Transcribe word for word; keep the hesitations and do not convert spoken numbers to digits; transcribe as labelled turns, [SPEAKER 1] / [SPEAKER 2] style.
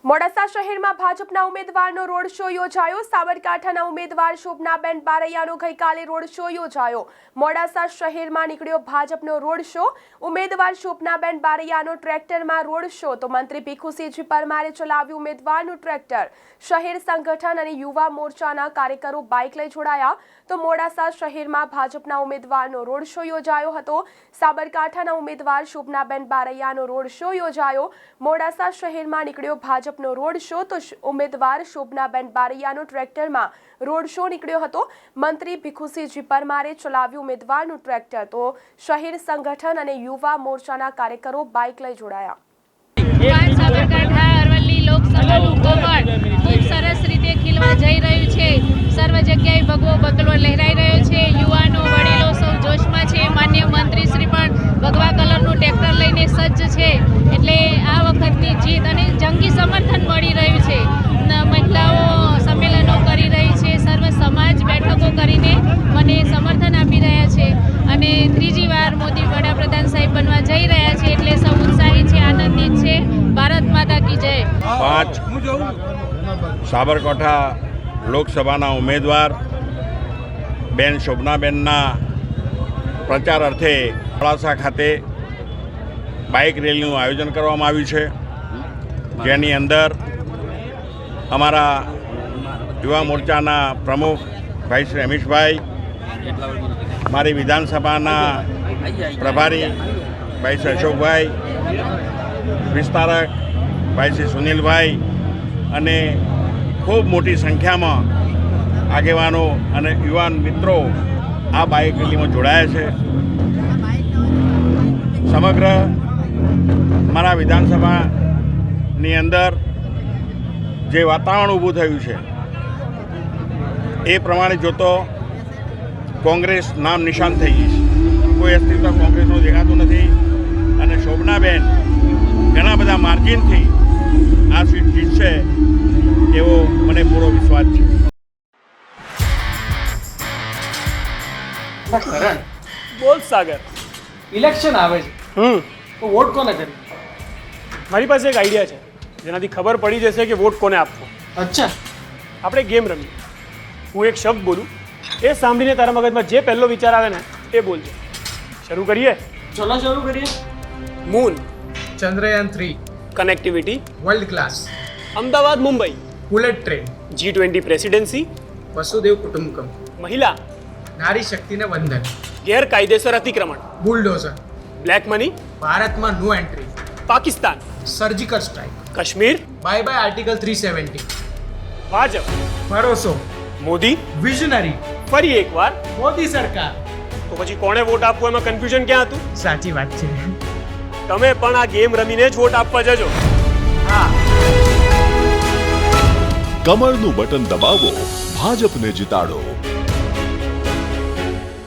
[SPEAKER 1] મોડાસા શહેરમાં ભાજપના ઉમેદવારનો road show યોજાયો। સાબરકાંઠાના ઉમેદવાર શોભનાબેન બારૈયાનો ગઈકાલે રોડ શો યોજાયો। મોડાસા શહેરમાં નીકળ્યો ભાજપનો રોડ શો। ઉમેદવાર શોભનાબેન બારૈયાનો ટ્રેક્ટરમાં રોડ શો તો મંત્રી ભીખુસિંહજી પરમારે ચલાવ્યું ઉમેદવારનું ટ્રેક્ટર। શહેર સંગઠન અને યુવા મોરચાના કાર્યકરો બાઇક લઈ જોડાયા તો મોડાસા શહેરમાં ભાજપના ઉમેદવારનો રોડ શો યોજાયો હતો। સાબરકાંઠાના ઉમેદવાર શોભનાબેન બારૈયાનો રોડ શો યોજાયો। મોડાસા શહેરમાં નીકળ્યો ભાજપ નો રોડ શો તો ઉમેદવાર શોભનાબેન બારૈયાનો ટ્રેક્ટરમાં રોડ શો નીકળ્યો હતો। મંત્રી ભીખુસિંહજી પરમારે ચલાવ્યું ઉમેદવારનું ટ્રેક્ટર તો શહેર સંગઠન અને યુવા મોરચાના કાર્યકરો બાઇક લઈ જોડાયા।
[SPEAKER 2] સાબરકાંઠા અરવલ્લી લોકસભાનું કમળ ખૂબ સરસ રીતે ખીલવા જઈ રહ્યું છે। સર્વ જગ્યાએ ભગવો બગલો લહેરાઈ રહ્યો છે। યુવાનો વડીલો સૌ જોશમાં છે। માન્ય મંત્રી શ્રી પણ ભગવા કલરનું ટ્રેક્ટર લઈને સજ્જ છે એટલે આ વખતની જીત અને જંગી સમર્થન મળી રહ્યું છે। મહિલાઓ સંમેલનો કરી રહી છે। સર્વ સમાજ બેઠકો કરીને મને સમર્થન આપી રહ્યા છે અને ત્રીજી વાર મોદી વડાપ્રધાન સાહેબ બનવા જઈ રહ્યા છે એટલે સૌ ઉત્સાહી છે, આનંદિત છે। ભારત માતા કી જય।
[SPEAKER 3] પાંચ સાબરકાંઠા લોકસભાના ઉમેદવાર બેન શોભનાબેનના પ્રચાર અર્થે મોડાસા ખાતે બાઇક રેલીનું આયોજન કરવામાં આવ્યું છે, જેની અંદર અમારા યુવા મોરચાના પ્રમુખ ભાઈ શ્રી રમેશભાઈ, મારી વિધાનસભાના પ્રભારી ભાઈ શ્રી અશોકભાઈ, વિસ્તારક ભાઈ શ્રી સુનિલભાઈ અને ખૂબ મોટી સંખ્યામાં આગેવાનો અને યુવાન મિત્રો આ બાઇક રેલીમાં જોડાયા છે। સમગ્ર મારા વિધાનસભાની અંદર જે વાતાવરણ ઊભું થયું છે એ પ્રમાણે જોતો કોંગ્રેસ નામ નિશાન થઈ ગઈ છે। કોઈ અસ્તિત્વ કોંગ્રેસનું દેખાતું નથી અને શોભનાબેન ઘણા બધા માર્જિનથી આ સીટ જીતશે એવો મને પૂરો વિશ્વાસ છે।
[SPEAKER 4] બોલ સાગર,
[SPEAKER 5] ઇલેક્શન આવે છે
[SPEAKER 4] હમ
[SPEAKER 5] તો વોટ કોને કરી?
[SPEAKER 4] મારી પાસે એક આઈડિયા છે જેનાથી ખબર પડી જશે કે વોટ કોને આપવો।
[SPEAKER 5] અચ્છા,
[SPEAKER 4] આપણે ગેમ રમીએ। હું એક શબ્દ બોલું, એ સાંભળીને તારા મગજમાં જે પહેલો વિચાર આવે ને એ બોલજો। શરૂ કરીએ?
[SPEAKER 5] ચલો શરૂ કરીએ।
[SPEAKER 4] Moon,
[SPEAKER 5] Chandrayaan three,
[SPEAKER 4] connectivity,
[SPEAKER 5] world class,
[SPEAKER 4] Ahmedabad Mumbai,
[SPEAKER 5] bullet train,
[SPEAKER 4] G twenty presidency,
[SPEAKER 5] વસુદેવ કુટુંબકમ,
[SPEAKER 4] મહિલા,
[SPEAKER 5] નારી શક્તિને વંદન,
[SPEAKER 4] ગેરકાયદેસર અતિક્રમણ,
[SPEAKER 5] બુલડોઝર,
[SPEAKER 4] બ્લેક મની,
[SPEAKER 5] ભારતમાં no entry,
[SPEAKER 4] Pakistan,
[SPEAKER 5] surgical strike,
[SPEAKER 4] Kashmir,
[SPEAKER 5] bye bye article three seventy,
[SPEAKER 4] Bhajap,
[SPEAKER 5] ભરોસો,
[SPEAKER 4] મોદી,
[SPEAKER 5] વિઝનરી,
[SPEAKER 4] ફરી એકવાર।
[SPEAKER 5] મોદી સરકાર।
[SPEAKER 4] તો પછી કોણે વોટ આપવો એમાં કન્ફ્યુઝન ક્યાં હતું?
[SPEAKER 5] સાચી વાત છે।
[SPEAKER 4] તમે પણ આ ગેમ રમીને જ વોટ આપવા જજો।
[SPEAKER 5] હા,
[SPEAKER 6] કમળનું બટન દબાવો, ભાજપને જીતાડો।